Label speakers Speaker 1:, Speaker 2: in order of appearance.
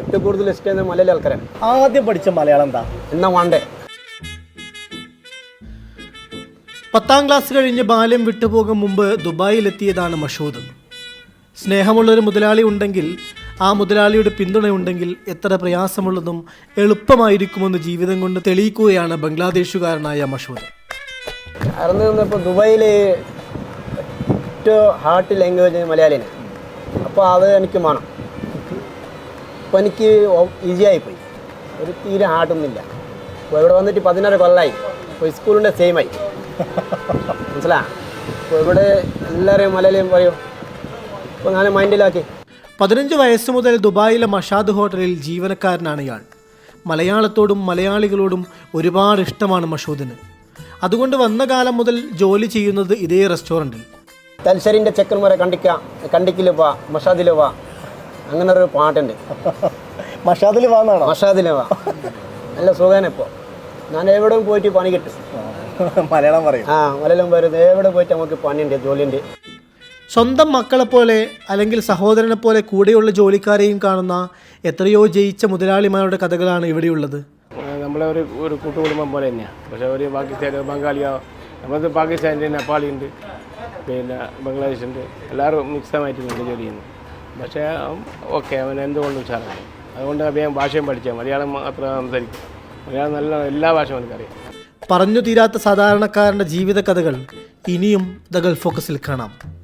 Speaker 1: ഏറ്റവും കൂടുതൽ ഇഷ്ടം മലയാളി ആൾക്കാരാണ്.
Speaker 2: ആദ്യം പഠിച്ച മലയാളം എന്താ?
Speaker 1: എന്നാ വേണ്ടേ?
Speaker 3: 10ാം ക്ലാസ് കഴിഞ്ഞ് ബാല്യം വിട്ടുപോകും മുമ്പ് ദുബായിലെത്തിയതാണ് മഷൂദ്. സ്നേഹമുള്ളൊരു മുതലാളി ഉണ്ടെങ്കിൽ, ആ മുതലാളിയുടെ പിന്തുണയുണ്ടെങ്കിൽ എത്ര പ്രയാസമുള്ളതും എളുപ്പമായിരിക്കുമെന്ന് ജീവിതം കൊണ്ട് തെളിയിക്കുകയാണ് ബംഗ്ലാദേശുകാരനായ മഷൂദ്.
Speaker 1: കാരണം ഇപ്പോൾ ദുബായിൽ ഏറ്റവും ഹാർട്ട് ലാംഗ്വേജ് മലയാളിയാണ്. അപ്പോൾ അത് എനിക്ക് വേണം. അപ്പോൾ എനിക്ക് ഈസി ആയിപ്പോയി, ഒരു തീരെ ഹാർട്ടൊന്നുമില്ല. അപ്പോൾ ഇവിടെ വന്നിട്ട് 16 കൊല്ലമായി. ഇപ്പോൾ സ്കൂളിൻ്റെ സെയിമായി മനസ്സിലാ. അപ്പോൾ ഇവിടെ എല്ലാവരെയും മലയാളിയും പറയും. അപ്പോൾ ഞാൻ മൈൻഡിലാക്കി.
Speaker 3: 15 വയസ്സ് മുതൽ ദുബായിലെ മഷാദ് ഹോട്ടലിൽ ജീവനക്കാരനാണ് ഇയാൾ. മലയാളത്തോടും മലയാളികളോടും ഒരുപാട് ഇഷ്ടമാണ് മഷൂദിന്. അതുകൊണ്ട് വന്ന കാലം മുതൽ ജോലി ചെയ്യുന്നത് ഇതേ റെസ്റ്റോറൻറ്റിൽ.
Speaker 1: തലശ്ശേരിൻ്റെ ചെക്കന്മാരെ കണ്ടിക്കിൽ വാ, മഷാദിൽ വാ, അങ്ങനെ ഒരു പാട്ടുണ്ട്.
Speaker 2: മഷാദിൽ വാന്നാണോ?
Speaker 1: മഷാദിൽ വാ, നല്ല സുഖമാണ്. ഇപ്പോൾ ഞാൻ എവിടെയും പോയിട്ട് പണി കിട്ടും.
Speaker 2: മലയാളം പറയും.
Speaker 1: മലയാളം പറയുന്നത് എവിടെ പോയിട്ട് നമുക്ക് പണിയുണ്ട്, ജോലിയുണ്ട്.
Speaker 3: സ്വന്തം മക്കളെപ്പോലെ അല്ലെങ്കിൽ സഹോദരനെ പോലെ കൂടെയുള്ള ജോലിക്കാരെയും കാണുന്ന എത്രയോ ജയിച്ച മുതലാളിമാരുടെ കഥകളാണ് ഇവിടെയുള്ളത്.
Speaker 4: നമ്മളെ ഒരു കൂട്ടുകുടുംബം പോലെ തന്നെയാണ്. പക്ഷേ ഒരു പാകിസ്ഥാൻ, ബംഗാളിയോ, നമുക്ക് പാകിസ്ഥാനിൻ്റെ നേപ്പാളി ഉണ്ട്, പിന്നെ ബംഗ്ലാദേശ് ഉണ്ട്, എല്ലാവരും മിക്സമായിട്ട് ജോലി ചെയ്യുന്നു. പക്ഷേ ഓക്കെ, അവൻ എന്തുകൊണ്ടും ഉഷാറാണ്. അതുകൊണ്ട് അദ്ദേഹം ഭാഷയും പഠിച്ചാൽ മലയാളം മാത്രം സംസാരിക്കും. മലയാളം നല്ല എല്ലാ ഭാഷയും എനിക്കറിയാം.
Speaker 3: പറഞ്ഞു തീരാത്ത സാധാരണക്കാരൻ്റെ ജീവിത കഥകൾ ഇനിയും ദ ഗൾഫ് ഫോക്കസിൽ കാണാം.